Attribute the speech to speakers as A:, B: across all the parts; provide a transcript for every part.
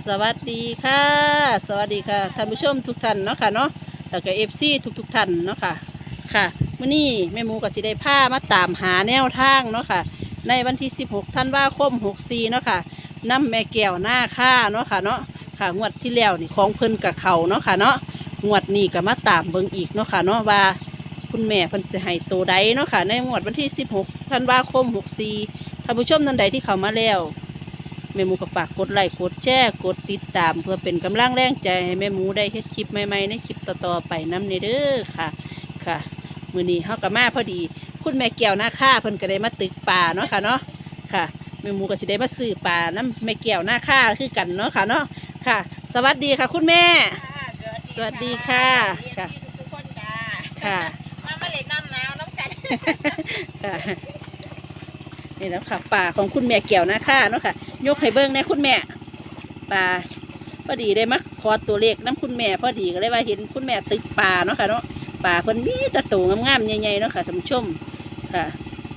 A: สวัสดีค่ะสวัสดีค่ะท่านผู้ชมทุกท่านเนาะค่ะเนาะแล้วก็FCทุกท่านเนาะค่ะค่ะมื้อนี้แม่หมูก็สิได้พามาตามหาแนวทางเนาะค่ะในวันที่16ธันวาคม64เนาะค่ะนำแม่แก้วหน้าค่าเนาะค่ะเนาะค่ะงวดที่แล้วนี่ของเพิ่นกับเขาเนาะค่ะเนาะงวดนี้ก็มาตามเบิ่งอีกเนาะค่ะเนาะว่าคุณแม่เพิ่นสิให้ตัวใดเนาะค่ะในงวดวันที่16ธันวาคม64ท่านผู้ชมท่านใดที่เข้ามาแล้วแม่หมูก็ฝากกดไลค์กดแชร์กดติดตามเพื่อเป็นกำลังแรงใจให้แม่หมูได้เฮ็ดคลิปใหม่ๆในคลิปต่อๆไปนำเด้อค่ะค่ะมื้อนี้เฮาก็มาพอดีคุณแม่แก้วหน้าค่าเพิ่นก็ได้มาตึกป่าเนาะค่ะเนาะค่ะแม่หมูก็สิได้มาซื้อป่าน้ำแม่แก้วหน้าค่าคือกันเนาะค่ะเนาะค่ะสวัสดีค่ะคุณแม่สวัสดีค่ะค่ะ
B: ทุกคนจ้า
A: ค่ะ
B: มาเล่นน้ำหนาวน้ำกัน
A: ค่ะนี่แล้วค่ะป่าของคุณแม่แก้วหน้าค่าเนาะค่ะยกให้เบิ่งแน่คุณแม่ป่าพอดีได้มาขอตัวเลขน้ำคุณแม่พอดีก็เลยว่าเห็นคุณแม่ตึกป่าเนาะค่ะเนาะป่าเพิ่นมีแตะตูงามๆใหญ่ๆเนาะค่ะท่านผู้ชมค่ะ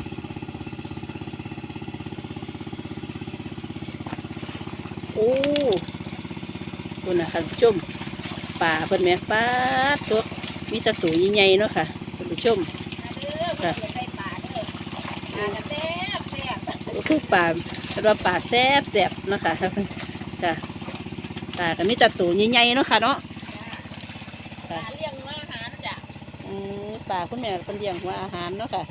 A: โอ้คุณนะค่ะท่านผู้ชมป่าเพิ่นแม่ป้าตัวมีแตะตูใหญ่ๆเนาะค่ะท่านผู้ชม
B: ค่ะไปป่าเด้อป่าแซ่บแซ่บ
A: คือป่าเป็นว่าป่าแซ่บแซ่บเนาะค่ะค่ะป่าก็มีแตะตูใหญ่ๆเนาะค่ะเนาะ
B: ป่าเลี้ยงหัวอาหารจ้ะ
A: ป่าคุณแม่เป็นเลี้ยงหัวอาหารเนาะค่ะ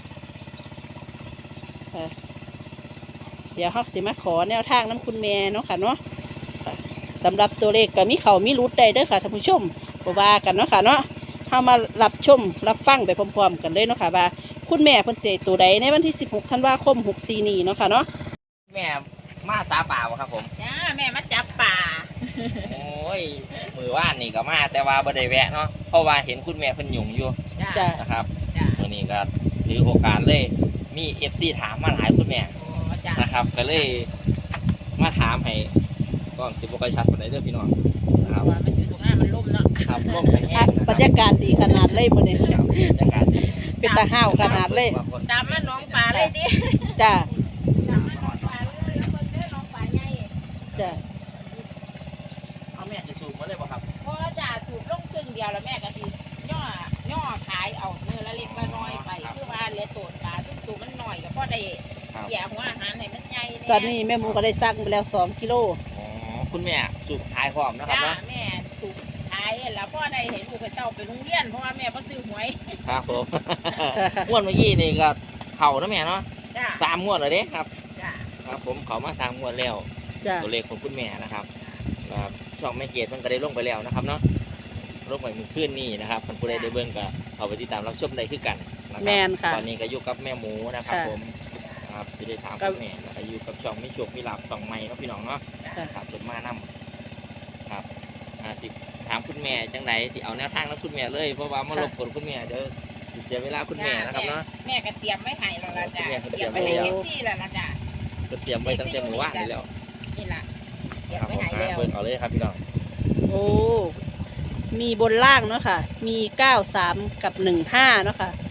A: ค่ะเดี๋ยวเขาสิมาขอแนวทางน้ำคุณแม่เนาะค่ะเนาะค่ะสำหรับตัวเลขก็มีเขามีรุดได้เด้อค่ะท่านผู้ชมบ่ว่ากันเนาะค่ะเนาะเข้ามารับชมรับฟังไปพร้อมๆกันเลยเนาะค่ะว่าคุณแม่เพิ่นสิตัวใดในวันที่16ธันวาคม64นี้เนาะค่ะเนาะ
C: แม่มาตาเปล่าครับผม
B: จ้าแม่มาจับป่า
C: โอ้ยมือว่านนี่ก็มาแต่ว่าบ่ได้แวะเนาะเพราะว่าเห็นคุณแม่เพิ่นหยุ่งอยู่
B: จ้า
C: นะครับ
B: จ้า
C: วันนี้ก็ถือโอกาสเลยมี FC ถามมาหลายคุณแม่
B: โอ้จ้า
C: นะครับ ก็เลยมาถามให้ก็สิบ่ค่อยชัดปานใดเด้อพี่น้องนะครับ
B: ว่ามันอยู่ตรงหน้ามันล่มเนาะ
C: ครับร่มแห้งๆนะ
A: บรรยากาศดีขนาดเลยมื้อนี้
C: ครับบรรยากาศดี
A: เป็นตาห้าวขนาดเลย
B: ตามมาน้องป่าเลยดิ
A: จ้า
B: ตามมาน้องป่าเลยแล้วเพิ่นเด้อน้องป่าใหญ่
A: จ้า
C: เอาแม่จะสูบมาเลยบ่ครับ
B: พอจ้าสูบลงครึ่งเดียวแล้วแม่ก็สิย่อขายเอาเนื้อละเล็กละน้อยไปคือว่าเหลือโตนป่าซึ่งตัวมันน้อยก็พอได้
C: ครับ
B: แย่หัวอาหารให้มันใหญ่แ
A: ตอนนี้แม่หมูก็ได้สั่งไปแล้ว2 กิโล
C: อ๋อคุณแม่สูบขายพร้อมนะครับ
B: จ้า
C: เนาะ
B: แม่สูบขายแล้วพ่อได้เห็นลูกเจ้าไปโรงเรียนเพราะว่าแม่ก็ซื้อหวย
C: ครับผม งวดเมื่อกี้นี่ก็เข้านะแม่เนาะ
B: จ้า
C: 3 งวดแล้วเด้ครับ
B: จ้า
C: ครับผมเขามา3 งวดแล้ว
A: จ้า
C: ตัวเลขของคุณแม่นะครับช่องแม่เกดมันก็ได้ลงไปแล้วนะครับเนาะลงไปมือขึ้นนี่นะครับคนผู้ใดได้เบิ่งก็เอาไปติดตามรับชมได้คือกันนะค
A: แม
C: รับ
A: นค่ะ
C: ตอนนี้ก็อยู่กับแม่หมูนะครับ
A: ค่ะ
C: ผมครับจะได้ถาม
A: ครั
C: คุ
A: บ
C: ณแม่แล้วก็อยู่กับช่องไม่โชคไม่หลับช่องใหม่เนาะพี่น้องเนาะ
A: ค่ะ
C: ครับจดมานํครับสิถามคุณแม่จังไหนที่เอาแนวทางแล้วคุณแม่เลยเพราะว่ามารบกวนคุณแม่เดี๋ยวสิเสียเวลาคุณแม่นะครับเนาะ
B: แม่ก็เตรียมไว้ให้แล้วล่ะจ้า
C: แม่ก็
B: เต
C: เตรี
B: รีย
C: ย
B: ม
C: ม
B: ไว้
C: ไว้
B: ให้
C: แล้ว
B: เอฟซีแล้วล่ะจ้า
C: ก็เตรียมไว้ตั้งแต่เมื่อวานนี่แล้ว
B: นี่ล่ะเตรียม
C: ครับ
B: ไว้
C: ผม
B: ให้แล้ว
C: เบิ่งเอาเลยครับพี่น้อง
A: โอ้มีบนล่างเนาะค่ะมี93กับ15เนาะค่ะ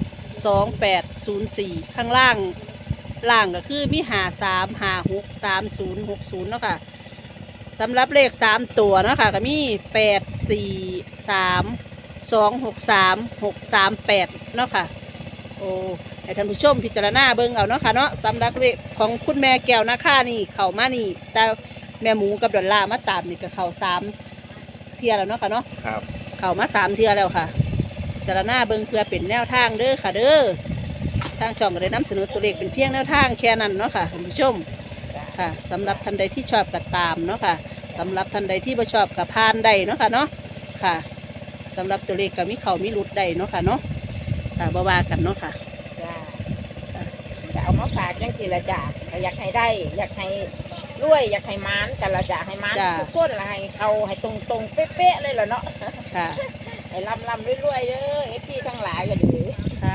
A: 2804ข้างล่างก็คือมี53 56 3060เนาะค่ะสำหรับเลข3ตัวเนาะค่ะก็มี843 263 638เนาะค่ะโอ้ให้ท่านผู้ชมพิจารณาเบิ่งเอาเนาะค่ะเนาะสำหรับเลขของคุณแม่แก้วนาคานี่เข้ามานี่แต่แม่หมูกับดอลลาร์มาตามนี่ก็เข้า3เที่ยแล้วเนาะค่ะเนาะ
C: ครับ
A: เข้ามา3เที่ยแล้วค่ะพิจารณาเบิ่งเพื่อเป็นแนวทางเด้อค่ะเด้อทางช่องก็ได้นำเสนอตัวเลขเป็นเพียงแนวทางแค่นั้นเนาะค่ะท่านผู้ชมค่ะสำหรับท่านใดที่ชอบก็ตามเนาะค่ะสำหรับท่านใดที่บ่ชอบก็ผ่านได้เนาะค่ะเนาะค่ะสำหรับตัวเลขก็มีเข้ามีหลุดได้เนาะค่ะเนาะค่ะบ่ว่ากันเนาะค่ะ
B: จ้าจะเอามาฝากจังสิละจ้าก็อยากให้ได้ อยากให้รวยอยากให้มานกันละจ้าให้มาน
A: จ้า
B: ทุกคนละให้เขาให้ตรงๆเป๊ะๆเลยล่ะเนาะ
A: ค่ะ
B: ให้ลำรวยๆเด้อเอฟซีทั้งหลายก็ดี
A: ค่ะ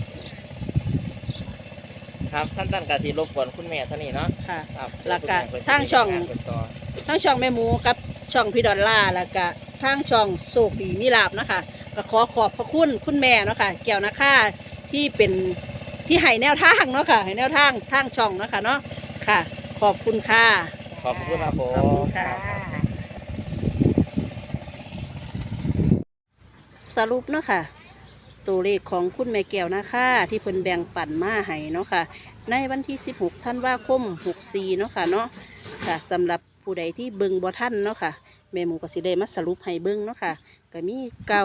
C: ครับท่านกะทีรบกวนคุณแม่เท่านี้เนาะ
A: ค่ะ
C: ครับ
A: แล้วก็
C: คุณแม่เพิ่น
A: ทางช่อง
C: สิมีานเพิ่นต่อ
A: ทั้งช่องแม่หมูกับช่องพี่ดอลล่าร์แล้วก็ทางช่องโศกดีมีลาบเนาะคะก็ขอขอบพระคุณคุณแม่เนาะค่ะแก้วนาคาที่เป็นที่ให้แนวทางเนาะค่ะให้แนวทางช่องเนาะค่ะเนาะค่ะ ขอบคุณค่ะ
B: จ้า
C: ขอบคุณครับผ
A: ขอบคุ
C: ม
A: ณค่ะ สรุปเนาะค่ะตัวเลขของคุณแม่แก้วนะคะที่เพิ่นแบ่งปันมาให้เนาะค่ะในวันที่16ธันวาคม64เนาะค่ะเนาะค่ะสำหรับผู้ใดที่เบิ่งบ่ทันเนาะค่ะแม่หมูก็สิได้มาสรุปให้เบิ่งเนาะค่ะก็มี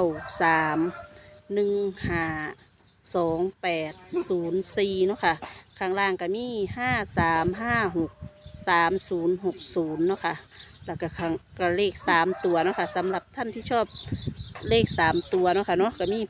A: 93 1508004เนาะค่ะข้างล่างก็มี53563060เนาะค่ะแล้วก็ข้างก็เลข3ตัวเนาะค่ะสำหรับท่านที่ชอบเลข3ตัวเนาะค่ะเนาะก็มี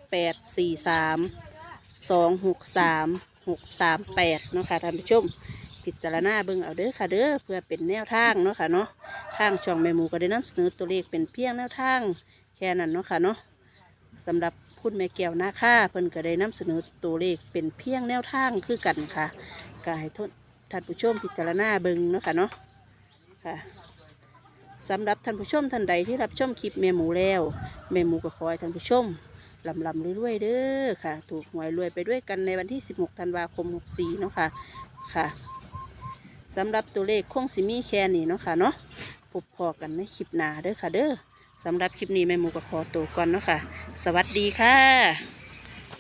A: 843 263 638เนาะค่ะท่านผู้ชมพิจารณาเบิ่งเอาเด้อค่ะเด้อเพื่อเป็นแนวทางเนาะค่ะเนาะทางช่องแม่หมูก็ได้นำเสนอตัวเลขเป็นเพียงแนวทางแค่นั้นเนาะค่ะเนาะสำหรับคุณแม่แก้วนาค่าเพิ่นก็ได้นำเสนอตัวเลขเป็นเพียงแนวทางคือกันค่ะก็ให้ท่านผู้ชมพิจารณาเบิ่งเนาะค่ะเนาะค่ะสำหรับท่านผู้ชมท่านใดที่รับชมคลิปแม่หมูแล้วแม่หมูก็ขอให้ท่านผู้ชมลำรวยๆเด้อค่ะถูกหวยรวยไปด้วยกันในวันที่16ธันวาคม64เนาะค่ะค่ะสำหรับตัวเลขคงสิมีแค่นี้เนาะค่ะเนาะพบพอกันในคลิปหน้าเด้อค่ะเด้อสำหรับคลิปนี้แม่หมูก็ขอตัวก่อนเนาะค่ะสวัสดีค่ะ